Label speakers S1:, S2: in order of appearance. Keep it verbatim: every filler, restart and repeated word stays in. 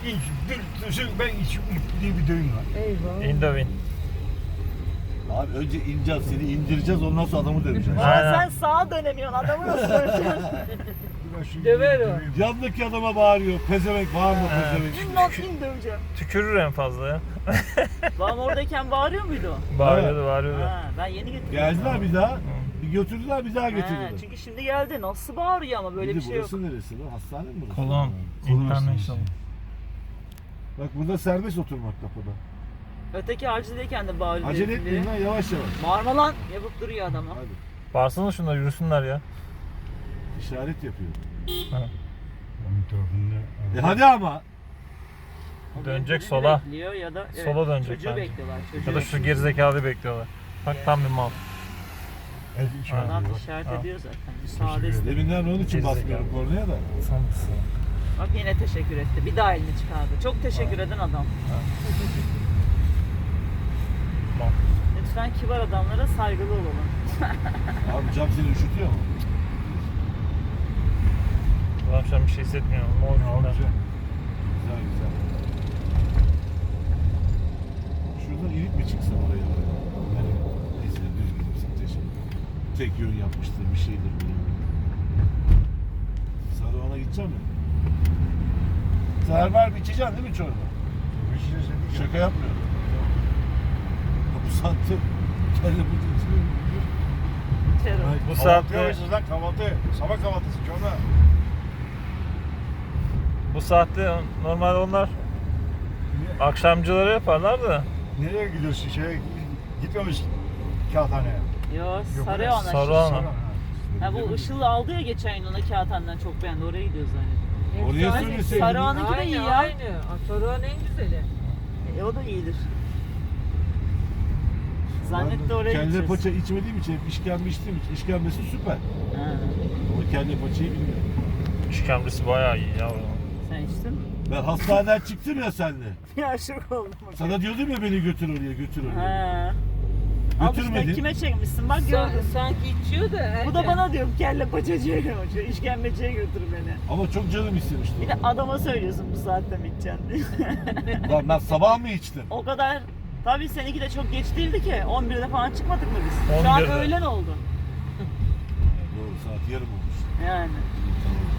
S1: İnç, bir, ben iç diye bir düğün var.
S2: Eyvah.
S3: Indovin.
S4: Abi önce ineceğiz, seni indireceğiz, ondan sonra adamı döveceğiz.
S3: Ha. Aynen.
S2: Sen sağa dönemiyorsun, adamı nasıl döneceksin?
S1: Biraz şu
S2: Döver o.
S1: düğün-
S4: Yandaki adama bağırıyor, pezevenk bağırma
S3: Evet.
S4: pezevenk.
S2: İn lan in döveceğim.
S3: Tükürür en fazla ya.
S2: Babam oradayken bağırıyor muydu o?
S3: Bağırıyordu bağırıyordu.
S2: Ha, ben yeni getirdim.
S4: Geldiler bir daha, bir götürdüler bir daha
S2: Ha,
S4: getirdiler.
S2: çünkü şimdi geldi. Nasıl bağırıyor ama böyle
S4: Bir
S2: bir
S4: de
S2: şey yok.
S4: burası neresi lan? Hastane mi burası?
S3: Kolon.
S1: Kolon
S3: International.
S4: Bak burada serbest oturmak kapıda.
S2: Öteki acildeyken de bağırıyor.
S4: Acele
S2: herifin
S4: etmeyin
S2: biri.
S4: lan, yavaş yavaş.
S2: Bağırma lan yapıp duruyor adama.
S4: Hadi.
S3: Bağırsana şunlar yürüsünler ya.
S4: İşaret yapıyor.
S1: Onun tarafında.
S4: E hadi ama.
S2: O
S3: Dönecek
S2: birini
S3: sola.
S2: bekliyor ya da evet,
S3: Sola dönecek
S2: çocuğu
S3: bence.
S2: bekliyorlar. Çocuğu
S3: Ya da şu
S2: bekliyor.
S3: gerizekalıyı bekliyorlar. Bak tam bir mal.
S1: El işareti
S2: Adam
S1: var.
S2: işaret
S3: Ha.
S2: ediyor zaten. Müsaade istedim.
S4: Deminden onun için
S3: Gerizekalı.
S4: basmıyorum kornaya da.
S2: Bak yine teşekkür etti. Bir daha elini çıkardı. Çok teşekkür eden adam.
S3: Mal.
S2: Lütfen kibar adamlara saygılı olalım.
S4: Abi cam seni üşütüyor mu?
S3: Adam şu an bir şey hissetmiyor. Ne
S1: Ne
S3: oldu?
S1: olacak?
S4: Güzel güzel. Şuradan inip mi çıksam oraya? Yani neyse düzgün teşekkür. Tek yön yapmıştır bir şeydir bilmiyorum. Sarıvan'a gideceğim mi? Server içeceksin değil mi çorba?
S1: Bir şey dedik ya.
S4: Şaka yapmıyorum. Ya bu saatte kelle bu içiyor.
S2: Terör.
S3: Bu
S1: Kahvaltı
S3: saatte
S1: yapıyorsunuz lan kahvaltı. Sabah kahvaltısı çorba.
S3: bu saatte normalde onlar akşamcıları yaparlar da
S1: Nereye gidiyorsun? Şeye gitmemiş kağıthaneye.
S2: Yo Sarıoğlan.
S3: Sarıoğlan.
S1: Sonra, ha.
S2: Ha bu Işıl'ı aldı ya geçen gün ona kağıthaneden çok beğendi. Oraya gidiyoruz zannediyorum.
S4: Oraya
S2: Efsane.
S4: söyleseydin.
S2: Sarıoğlan'ınki de iyi
S5: Aynı
S2: ya.
S5: aynı. Sarıoğlan en güzeli.
S2: E, o da iyidir. Zannetti oraya
S4: Kelle
S2: gideceğiz.
S4: paça içmediğim için hep işkembe içtiğim için işkembesi süper.
S2: Ha,
S4: Ama kelle paçayı bilmiyorum.
S3: işkembesi bayağı iyi ya.
S2: sen içtin mi?
S4: Ben hastaneden çıktım ya seninle.
S2: Ya şok oldum.
S4: Sana diyordum ya beni götür oraya götür oraya.
S2: Ha. Al işte
S4: Götürmedin.
S2: kime çekmişsin bak
S5: Sa-
S2: gördüm.
S5: sanki içiyor da.
S2: Bu da
S5: erken.
S2: bana diyor kelle paçacıya götür, işkembeciye götür beni.
S4: Ama çok canım istemişti.
S2: Bir de adama söylüyorsun bu saatte mi içeceksin diye.
S4: Lan ben sabah mı içtim?
S2: O kadar, tabii seninki de çok geç değildi ki. on birde falan çıkmadık mı biz? Şu an
S3: on birde.
S2: öğlen oldu.
S4: Doğru saat yarım olmuş.
S2: Yani.
S4: Tamam.